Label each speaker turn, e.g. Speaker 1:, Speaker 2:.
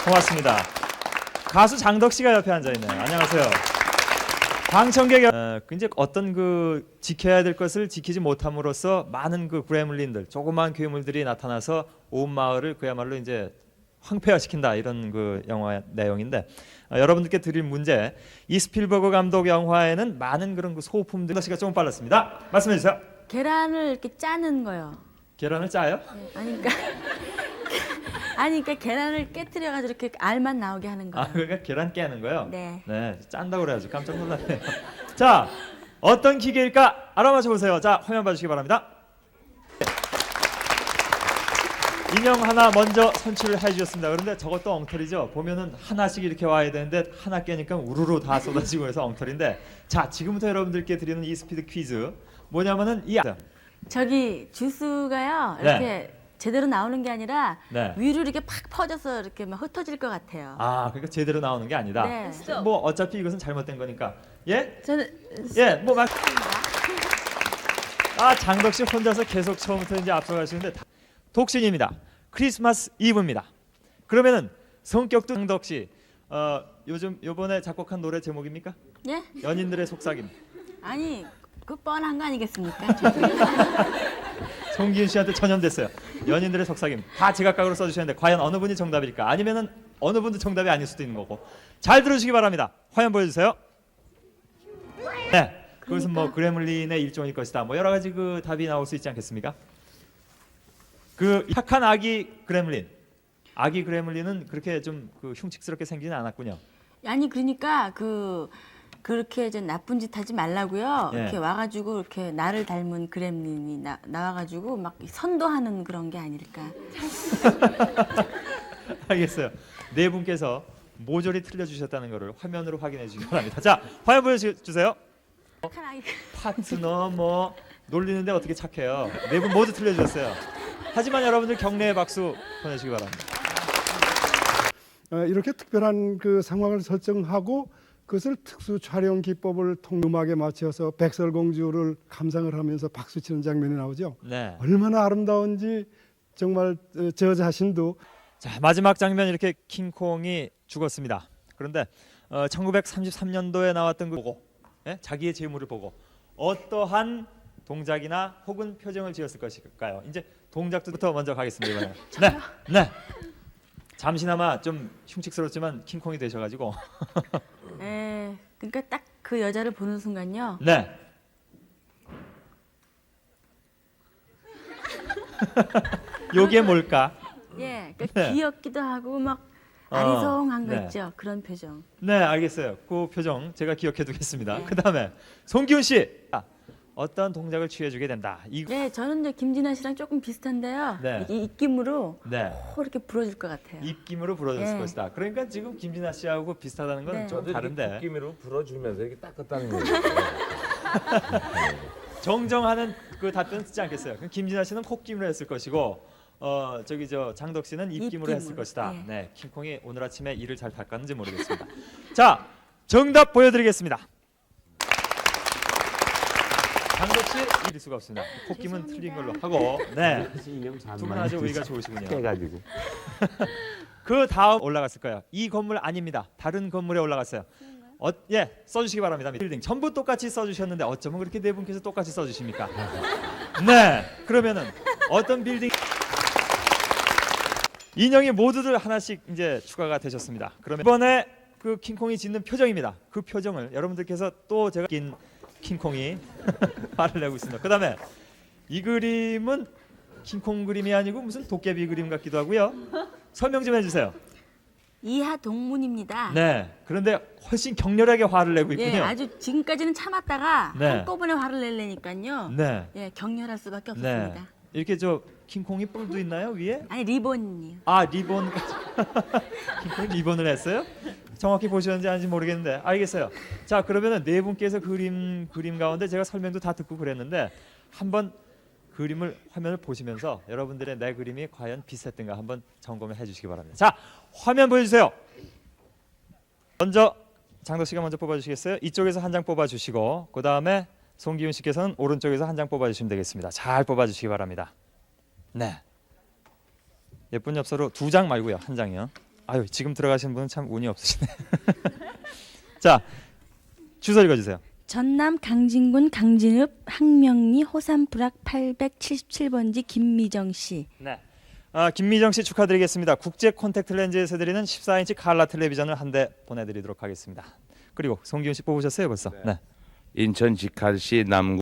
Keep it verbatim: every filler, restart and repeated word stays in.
Speaker 1: 고맙습니다. 가수 장덕 씨가 옆에 앉아 있네요. 안녕하세요. 방청객 어, 이제 어떤 그 지켜야 될 것을 지키지 못함으로써 많은 그 그레물린들, 조그마한 괴물들이 나타나서 온 마을을 그야말로 이제 황폐화시킨다, 이런 그 영화 내용인데, 어, 여러분들께 드릴 문제, 이 스필버그 감독 영화에는 많은 그런 그 소품들. 장덕 씨가 조금 빨랐습니다. 말씀해 주세요.
Speaker 2: 계란을 이렇게 짜는 거요.
Speaker 1: 계란을 짜요?
Speaker 2: 네, 아니 그러니까 아니 그러니까 계란을 깨뜨려 가지고 이렇게 알만 나오게 하는 거예요.
Speaker 1: 아, 그러니까 계란 깨는 거요?
Speaker 2: 네.
Speaker 1: 네, 짠다고 그래가지고 깜짝 놀랐네요. 자, 어떤 기계일까 알아맞혀 보세요. 자, 화면 봐주시기 바랍니다. 인형 하나 먼저 선출을 해주셨습니다. 그런데 저것도 엉터리죠. 보면은 하나씩 이렇게 와야 되는데 하나 깨니까 우르르 다 쏟아지고 해서 엉터리인데, 자, 지금부터 여러분들께 드리는 이 스피드 퀴즈 뭐냐면은 이
Speaker 2: 저기 주스가요
Speaker 1: 네.
Speaker 2: 이렇게 제대로 나오는 게 아니라
Speaker 1: 네.
Speaker 2: 위로 이렇게 팍 퍼져서 이렇게 막 흩어질 것 같아요.
Speaker 1: 아, 그러니까 제대로 나오는 게 아니다.
Speaker 2: 네.
Speaker 1: 뭐 어차피 이것은 잘못된 거니까. 예?
Speaker 2: 저는
Speaker 1: 예, 뭐 막. 아, 장덕 씨 혼자서 계속 처음부터 이제 앞서가시는데 다- 독신입니다. 크리스마스 이브입니다. 그러면은 성격도 장덕 씨, 어, 요즘 요번에 작곡한 노래 제목입니까?
Speaker 2: 예?
Speaker 1: 연인들의 속삭임.
Speaker 2: 아니 그 뻔한 거 아니겠습니까?
Speaker 1: 송기훈 씨한테 전염됐어요. 연인들의 속삭임. 다 제각각으로 써주셨는데 과연 어느 분이 정답일까? 아니면은 어느 분도 정답이 아닐 수도 있는 거고. 잘 들어주시기 바랍니다. 화면 보여주세요. 네, 그것은 뭐 그레물린의 일종일 것이다. 뭐 여러 가지 그 답이 나올 수 있지 않겠습니까? 그 착한 아기 그레물린. 아기 그레물린은 그렇게 좀 그 흉측스럽게 생기진 않았군요.
Speaker 2: 아니 그러니까 그 그렇게 좀 나쁜 짓 하지 말라고요.
Speaker 1: 예.
Speaker 2: 이렇게 와가지고 이렇게 나를 닮은 그렘린이 나, 나와가지고 막 선도하는 그런 게 아닐까.
Speaker 1: 알겠어요. 네 분께서 모조리 틀려주셨다는 것을 화면으로 확인해 주시기 바랍니다. 자, 화면 보여주세요.
Speaker 2: 착한 아이.
Speaker 1: 파트너 뭐 놀리는데 어떻게 착해요. 네 분 모두 틀려주셨어요. 하지만 여러분들 격려의 박수 보내주시기 바랍니다.
Speaker 3: 어, 이렇게 특별한 그 상황을 설정하고 그것을 특수 촬영 기법을 통 음악에 맞춰서 백설공주를 감상을 하면서 박수 치는 장면이 나오죠.
Speaker 1: 네.
Speaker 3: 얼마나 아름다운지 정말 어, 저 자신도.
Speaker 1: 자, 마지막 장면, 이렇게 킹콩이 죽었습니다. 그런데 어, 천구백삼십삼 년도에 나왔던 그 보고, 예? 자기의 재물을 보고 어떠한 동작이나 혹은 표정을 지었을 것일까요? 이제 동작부터 먼저 가겠습니다. 이번에. 네, 네. 잠시나마 좀 흉측스럽지만 킹콩이 되셔가지고.
Speaker 2: 에, 그러니까 딱 그 여자를 보는 순간요.
Speaker 1: 네. 요게 뭘까?
Speaker 2: 예, 그러니까
Speaker 1: 네.
Speaker 2: 귀엽기도 하고 막
Speaker 1: 어,
Speaker 2: 아리송한 거
Speaker 1: 네.
Speaker 2: 있죠. 그런 표정.
Speaker 1: 네, 알겠어요. 그 표정 제가 기억해 두겠습니다.
Speaker 2: 네.
Speaker 1: 그다음에 송기훈 씨, 아, 어떤 동작을 취해주게 된다. 이
Speaker 2: 네, 저는 이제 김진아 씨랑 조금 비슷한데요.
Speaker 1: 네.
Speaker 2: 이 입김으로
Speaker 1: 네.
Speaker 2: 호 이렇게 불어줄 것 같아요.
Speaker 1: 입김으로 불어줬을
Speaker 2: 네.
Speaker 1: 것이다. 그러니까 지금 김진아 씨하고 비슷하다는 건
Speaker 2: 네.
Speaker 1: 좀 다른데
Speaker 4: 느낌으로 불어주면서 이렇게 닦았다는 거예요.
Speaker 1: 정정하는 그 답변 쓰지 않겠어요. 그럼 김진아 씨는 콧김으로 했을 것이고, 어 저기 저 장덕 씨는 입김으로,
Speaker 2: 입김으로.
Speaker 1: 했을 것이다.
Speaker 2: 예.
Speaker 1: 네, 킹콩이 오늘 아침에 이를 잘 닦았는지 모르겠습니다. 자, 정답 보여드리겠습니다. 장덕 씨 이길 수가 없습니다. 콧김은 틀린 걸로 하고, 네, 두 분 아주 우위가 좋으시군요.
Speaker 4: 해가지고
Speaker 1: 그 다음 올라갔을 거예요. 이 건물 아닙니다. 다른 건물에 올라갔어요. 어, 예, 써주시기 바랍니다. 빌딩 전부 똑같이 써주셨는데 어쩌면 그렇게 네 분께서 똑같이 써주십니까? 네, 그러면은 어떤 빌딩 인형이 모두들 하나씩 이제 추가가 되셨습니다. 그러면 이번에 그 킹콩이 짓는 표정입니다. 그 표정을 여러분들께서 또 제가 낀 킹콩이 화를 내고 있습니다. 그다음에 이 그림은 킹콩 그림이 아니고 무슨 도깨비 그림 같기도 하고요. 설명 좀 해주세요.
Speaker 2: 이하 동문입니다.
Speaker 1: 네, 그런데 훨씬 격렬하게 화를 내고 있군요.
Speaker 2: 예, 아주 지금까지는 참았다가
Speaker 1: 네.
Speaker 2: 한꺼번에 화를 내려니까요.
Speaker 1: 네,
Speaker 2: 예, 격렬할 수밖에
Speaker 1: 네.
Speaker 2: 없었습니다.
Speaker 1: 이렇게 저 킹콩이 뿔도 있나요 위에?
Speaker 2: 아니 리본이요.
Speaker 1: 아, 리본. 킹콩이 리본을 했어요? 정확히 보셨는지 아닌지 모르겠는데 알겠어요. 자, 그러면은 네 분께서 그림 그림 가운데 제가 설명도 다 듣고 그랬는데 한번 그림을 화면을 보시면서 여러분들의 내 그림이 과연 비슷했던가 한번 점검을 해주시기 바랍니다. 자, 화면 보여주세요. 먼저 장덕 씨가 먼저 뽑아주시겠어요? 이쪽에서 한 장 뽑아주시고 그 다음에 송기훈 씨께서는 오른쪽에서 한 장 뽑아주시면 되겠습니다. 잘 뽑아주시기 바랍니다. 네. 예쁜 엽서로 두 장 말고요, 한 장이요. 아유 지금 들어가신 분은 참 운이 없으시네. 자 주소 읽어주세요.
Speaker 2: 전남 강진군 강진읍 항명리 호삼부락 팔백칠십칠 번지 김미정 씨.
Speaker 1: 네. 아, 김미정 씨 축하드리겠습니다. 국제 콘택트 렌즈에서 드리는 십사 인치 칼라 텔레비전을 한 대 보내드리도록 하겠습니다. 그리고 송기훈 씨 뽑으셨어요 벌써? 네.
Speaker 4: 인천 직할시 남구